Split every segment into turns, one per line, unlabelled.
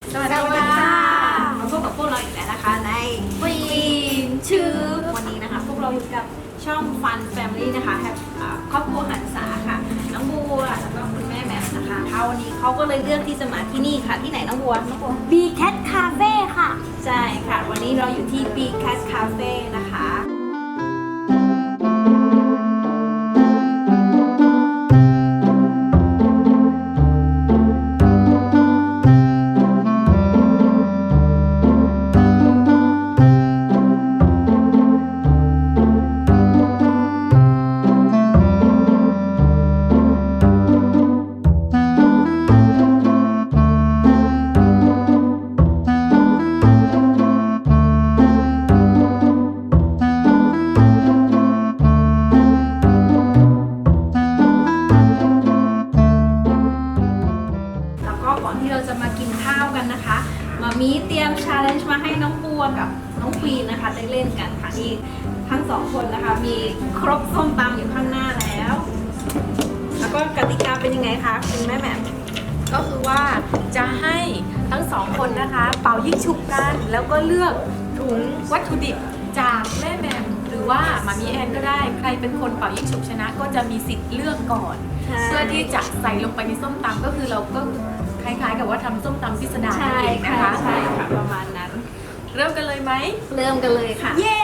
สวัสดีค่ะมาพบกับพวกเราอีกแล้วนะคะในฟีนชื่อวันนี้นะคะพวกเราอยู่กับช่อง Fun Family นะคะครอบครัวหันษาค่ะน้องบัวแล้วก็คุณแม่แหม่มนะคะวันนี้เขาก็เลยเลือกที่จะมาที่นี่ค่ะที่ไหนน้องบัว
B Cat Cafe ค่ะ
ใช่ค่ะวันนี้เราอยู่ที่ B Cat Cafe นะคะมีเตรียม challenge มาให้น้องบัวกับน้องควีนนะคะได้เล่นกันค่ะที่ทั้งสองคนนะคะมีครบส้มตำอยู่ข้างหน้าแล้วแล้วก็กติกาเป็นยังไงคะคุณแม่แหม่ม
ก็คือว่าจะให้ทั้งสองคนนะคะเป่ายิงฉุบกันแล้วก็เลือกถุงวัตถุดิบจากแม่แหม่มหรือว่ามามีแอนก็ได้ใครเป็นคนเป่ายิงฉุบชนะก็จะมีสิทธิ์เลือกก่อนเพื่อที่จะใส่ลงไปในส้มตำก็คือเราก็คล้ายๆกับว่าทำส้มตำพิสดารนั่นเองนะคะ
ใช่ค่ะประมาณนั้น
เริ่มกันเลยไหม
เริ่มกันเลยค่ะ
เย้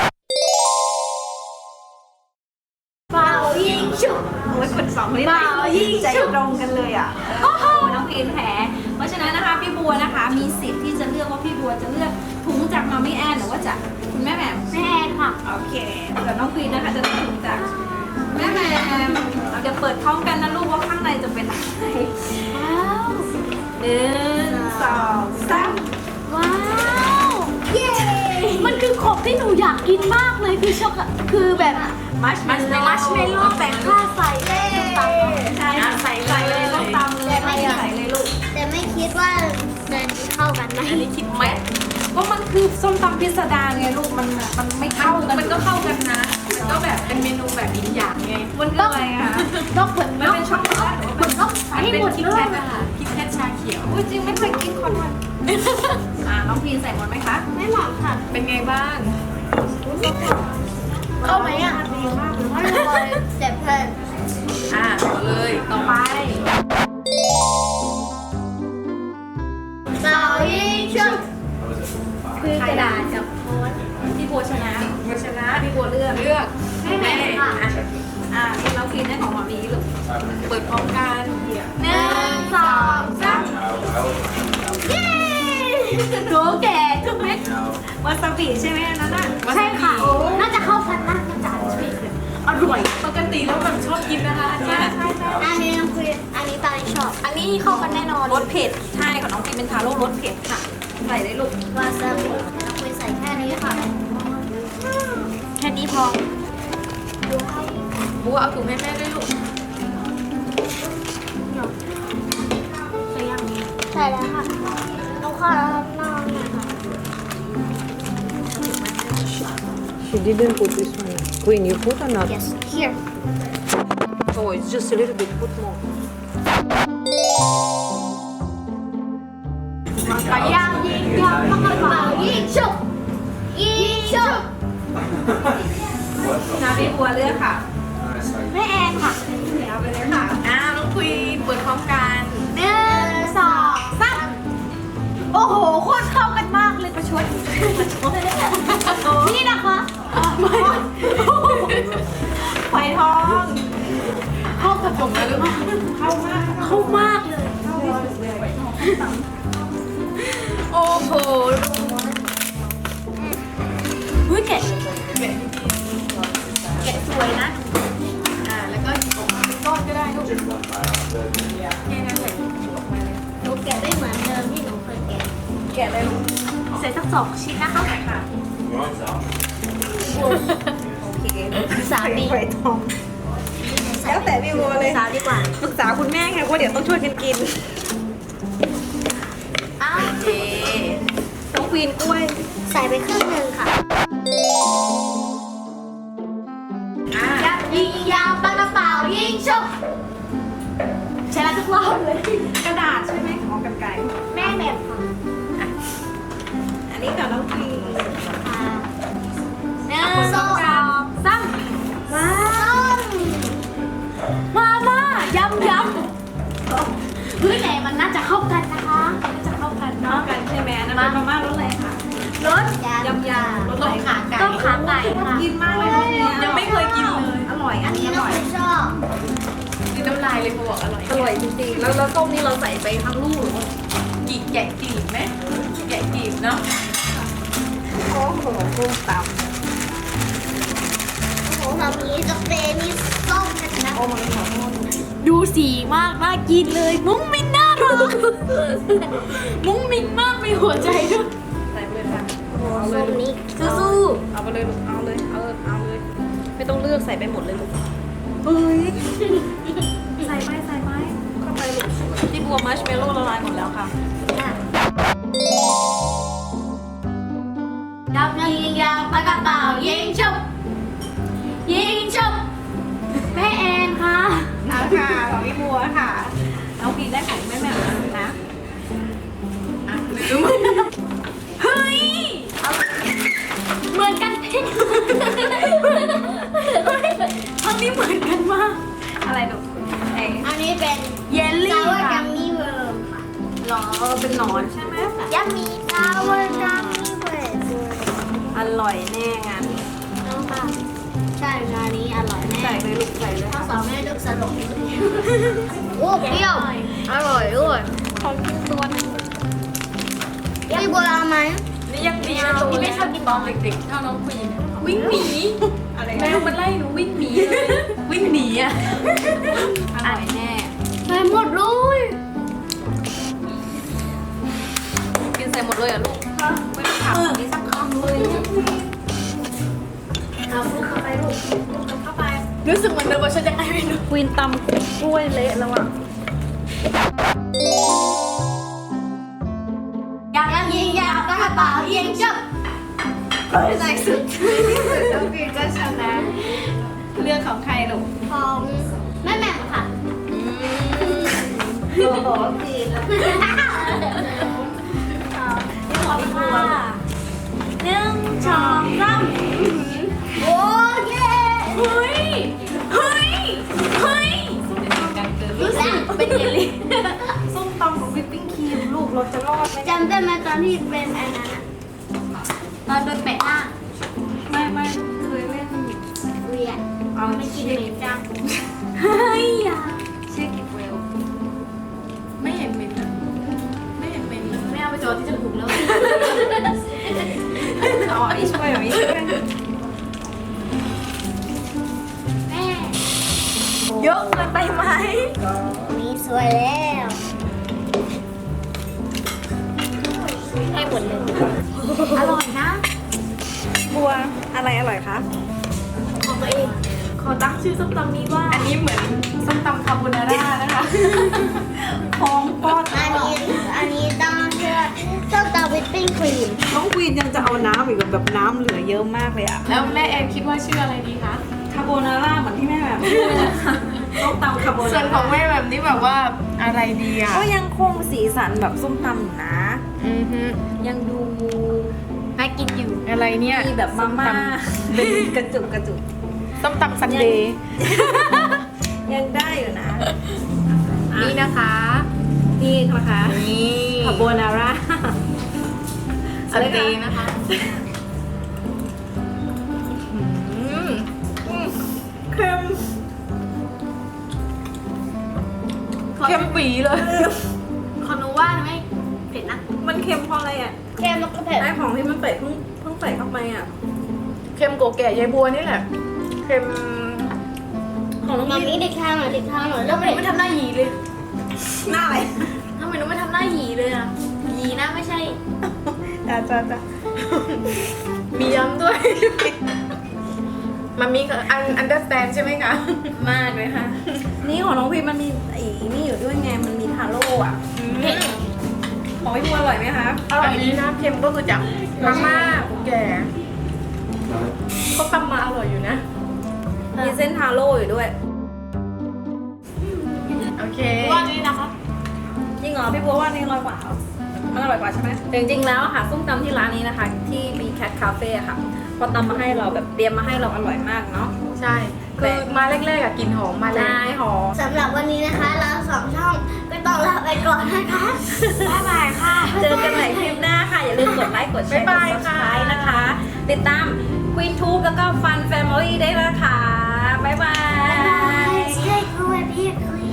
เป่ายิงฉุบ
โอ้ยคนสองคนนี้ใจตรงกันเลยอ่ะน้องควีนแพ้เพราะฉะนั้นนะคะพี่บัวนะคะมีสิทธิ์ที่จะเลือกว่าพี่บัวจะเลือกถุงจากมามี่แอนหรือว่าจากคุณแม่แหม่ม
แม่แอนค่ะ
โอเคแต่น้องควีนนะคะจะถุงจากแม่แหม่มเราจะเปิดพร้อมกันนะลูกว่าข้างในจะเป็นอะไร
ว้าว
1 2 3
ว้าวเย้มันคือของที่หนูอยากกินมากเลยคือช็อกคือแบบ
มัชเมลโล่
แต่ข้าใส่ได้ตำ
ใช่ใส่เลยต้องตำเลยไม่ใส่เลยลูก
แต่ไม่คิดว่าจะเข้ากันไหม
อันนี้คิดไหมก็มันคือส้มตำพิสดารไงลูกมันไม่เข้ากัน
มันก็เข้ากันนะมันก็แบบเป็นเมนูแบบอีกอย่างไง
มันก็อะไรอะ
ต้องเปิด
มันเป็นช็อกโกแลตหรือว่าเป็น
ให้หมดเลยคิดแค่ชาเขียว
จริงไม่เคยกินคอนวันน้องพีนใส่หมดไหมคะ
ไม่หมดค่ะ
เป็นไงบ้าง
เข้าไหมอ่ะดีมากเลยเจ็บเพลิน
ต่อเลยต่อไป
เป่ายิงฉุบคือกระดาษกับโพส
พี่บัวชนะพี่บัวเลือก
ให้แม่
ค่ะนี่เรากินได้ของหมามีลูก
เปิดพร้อมกัน
1 2 3เย้
โหแก่ทุกเม็ดวาซาบิใช่ไหมนั่นน่ะ
ใช่ค่ะ
น่าจะเข้ากันนะมันจะ
อร่อยปกติแล้วแบบชอบกินนะคะอันนี้
อันนี้น้องคุยอันนี้ตาชอบ
อันนี้เข้ากันแน่นอนรสเผ็ดใช่ของน้องกินเป็นทาโร่รสเผ็ดค่ะใส่ได้ลูก
วาซาบิน้องคุยใส่แค่นี้ค่ะ
แค่นี้พอ
บัวเอาถุงให้แม่ด้วยลูก
ใส่ยังใส่แล้วค่ะน้องขอลองหน่อยค่ะ
She didn't put this one. Queen, you put or not?
Yes, here.
Oh, it's just a little bit. Put more.
ไปย่างยิงยางปังกระเป๋ายิงฉุบยิงฉุบ
พี่บัวเลือกค่ะ
แม่แอนค่ะ
เอาไปเลยค่ะ
น้องคุยเปิดพร้อมกัน
1 2 3
โอ้โหโคตรเข้ากันมากเลยประชด
นี่นะคะ
ไฟทอง
เข้ากับผมเลย
เข้ามาก
เลยโอ้โห
เฮ้ยแกะสวยนะ
แล้วก็ออกมาเป็นก้อนก็ได้ลูกแค่นั้นเลยออกมาเลย
หนูแกะได้เหมือนเดิมที่หนูเคยแกะ
เลย
ใส่สัก2 ชิ้นนะคะ
ค่ะโอเค
3ดี
ไฟทองแล้วแต่พี่บัวเลย
ดีกว่า
ปรึกษาคุณแม่ค่ะว่าเดี๋ยวต้องช่วยกันกิน
โอเค
ต้องควีนกล้วย
ใส่ไปครึ่งนึงค่ะยิงยาวปากกระเป๋ายิงฉุบ
ใช้แล้วทุกรอบเลยกระดาษใช่ไหมของกันไก่
แม่แบบค่ะ
นี้กับน้องพีเนี่ย
ส้ม
ซ้ำมาม่ายำ
เฮ้ยไหนมันน่าจะเข้ากันนะคะ
จะเข้ากัน
น้อ
เนาะ
งกันใช่ไหมอันนั้นเป็นมาม่ารสอะไรคะ
รส
ยำรส
ต้
อะไร
มขาไก่
ต้มขาไก่ค่ะ
กินมากเลยรสเนี้
ยังไม่เคยกินเลย
อร่อยอันนี้อ
น้อง
ร่อย
ชอบ
กินน้ำลายเลยเขาบอกอร่อย
อร่อยจริงๆแล้วส้มนี่เราใส่ไปทั้งลูกหรือว่า
แกะกลีบไหมแกะกลีบเนาะ
โอ้โหส้มตำ
โอ้โหแบบนี้จะเป็นนี่ส้มนะ
โอ้มันขอโทษ
ดูสีมากน่ากินเลย มุ้งมิ้งน่ารักมุ้งมิ้งมากมีหัวใจด้วย
ใส่ไปเลยค่ะ
ส้มนี้
สู้
เอาไปเลยลูกเอาเลยไม่ต้องเลือกใส่ไปหมดเลยลูกเฮ้ยใส่ไปเข้าไปลูกที่บัวมัชเมลโล่ละลายหมดแล้วค่ะ
ดับยิงยาวปากกระเป๋ายิงฉุบแม่แอนค่ะ
เอาค่ะของพี่บัวค่ะน้องพีได้ของแม่แม่นะ
อ่ะลืมเฮ้ย
เหมือนกันเพ่ง
ทั้งนี้เหมือนกันมาก
อะไรลูกไอ้
อันนี้เป็น
เยลลี่
ซาวร์กั
ค่ะ
มมี่เวิร์มค่ะ
หรอเป็นหนอนใช่ไหม
ยัมมี่ซาวร์กัมมี่เวิร์ม
อร่อยแน่งาน
น้องค่ะใช่งานนี้อร่อยแน่
ใส่เลยลูกใส่เลย
ข้าวสาวแม่ลูกสลบโอ้เปรี้ยวอร่อยด้วย
ของกินตัวนึง
พี่บัวเอาไหม
นี่ยังดีนะที่ไม่ชอบกินตอนเด็กๆชอบน้องผู้หญิงวิ่งหนี
อะไร
แมวมันไล่หนูวิ่งหนีเลยวิ่งหนีอ่ะ
อร่อยแน่
ใส่หมดเลย
กินใส่หมดเลยอ่ะลูกไม่ต้องถามนี่สักคำเลย
เอาลูกเข้าไปลูกเข้าไป
รู้สึกเหมือนเดิมว่าฉันยังไงไม่รู้
ควีนตำกล้วยเละแล้วอ่ะ
อยากยิงยาวกระเป๋ายิงฉุบ
ในสุดน้องพีก็ชนะเรื่องของใครลูก
ของแม่แหม่มค่ะ
โอ้โหพีนแล้ว
ขอพี่บัว1 2 3โอ้เย้
เฮ้ยเฮ้ยเฮ้ย
รู้สึกเป็นเยลลี่
ส้มตำของวิปปิ้งครีมลูกเราจะรอดไหม
จำได้ไหมตอนที่เป็นอันนั้นอะตอนโดนแปะหน้า
ไม่เคยเล่น
เวียน
เอา
ไม่กินเมนจัง
เฮ้ย
เชื่อกิจเวล
ไม่เห็นเหม็นอะไม่เห็นเหม็นเลย
ไม่เอาไปจอดที่จมูกแล้ว
เอาอันนี้ช่วยแบบนี้ช่วย
แม่
เยอะเกินไปไหม
มีสวยแล้วให้หมดเลยอร่อยนะ
บัวอะไรอร่อยคะ
ของตัวเอง
ขอตั้งชื่อส้มตำนี้ว่า อันนี้เหมือนส้มตำคาโบนาร่านะคะ
ของปอด
อันนี้ต้องเชื่อส้มตำวิปปิ้งครีม
น้องควีนยังจะเอาน้ำอีกแบบน้ำเหลือเยอะมากเลยอะ
แล้วแม่แอนคิดว่าชื่ออะไรดีคะ
คาโบนาร่าเหมือนที่แม่แบบพูดเลยนะคะต้องตำคาโบนาร่า
ส่วนของแม่แบบนี้แบบว่าอะไรดีอ่ะ
ก็ยังคงสีสันแบบส้มตำอยู่นะ ยังดู
น่ากินอยู่
อะไรเนี่ย
มีแบบมาม่าเป็นกระจุก
ส้มตำซันเดย์
ยังได้อยู่นะ
นี่นะคะ
นี่นะคะ
นี่
คาโบนาร่า
ซันเดย์นะคะเค็มเค็มปีเลย
ขอหนูว่าไม่เผ็ดนะ
มันเค็มเพราะอะไรอ่ะ
เค็มแล้วก็เผ็ด
ไอของที่มันใส่เพิ่งใส่เข้าไปอ่ะ
เค็มโกแก่ยายบัวนี่แหละ เค็ม
ของน้องมีเด็กข้างหน่อย
แล้
แล้ว ว
มันไม่ทำหน้าหยีเลย
หน้าอะไร
ทำไมหนูไม่ทำหน้าหยีเลยอ่ะ
หยีนะไม่ใช่
จ้า
มีย้ำด้วย มันมีunderstand ใช่ไหมคะ
มากเลยค่ะ นี่ของน้องพีมันมีนี่อยู่ด้วยไง มันมีทาโร่อ่ะ ของพี่บัวอร่อยไหมคะ
อันนี้นะเค็มก็คือจากมาม่าโกแก่เขาตำมาอร่อยอยู่นะ
มีเส้นทาโร่อยู่ด้วย
โอเค
ว่านี้นะคะ
จริงเหรอพี่บัวว่านี่อร่อยกว่าเหรอมันอร่อยกว่าใช่ไหมแต่จริงๆแล้วอะค่ะส้มตำที่ร้านนี้นะคะ ที่ B Cat Cafe อะค่ะพอตำมาให้เราแบบเตรียมมาให้เราอร่อยมากเนาะ
ใช่คือมาแรกๆอะกลิ่นหอมมาเลย
ได้หอม
สำหรับวันนี้นะคะ เราสองช่องก็ต้องลาไปก่อนนะคะ บ๊ายบายค่ะ
เจอกันใหม่คลิปหน้าค่ะ อย่าลืมกดไลค์กดแชร์กด
บ๊ายบายค่ะ
subscribe นะคะ ติดตาม Queen Tube แล้วก็ Fun Family ได้แล้วค่ะ บ๊ายบาย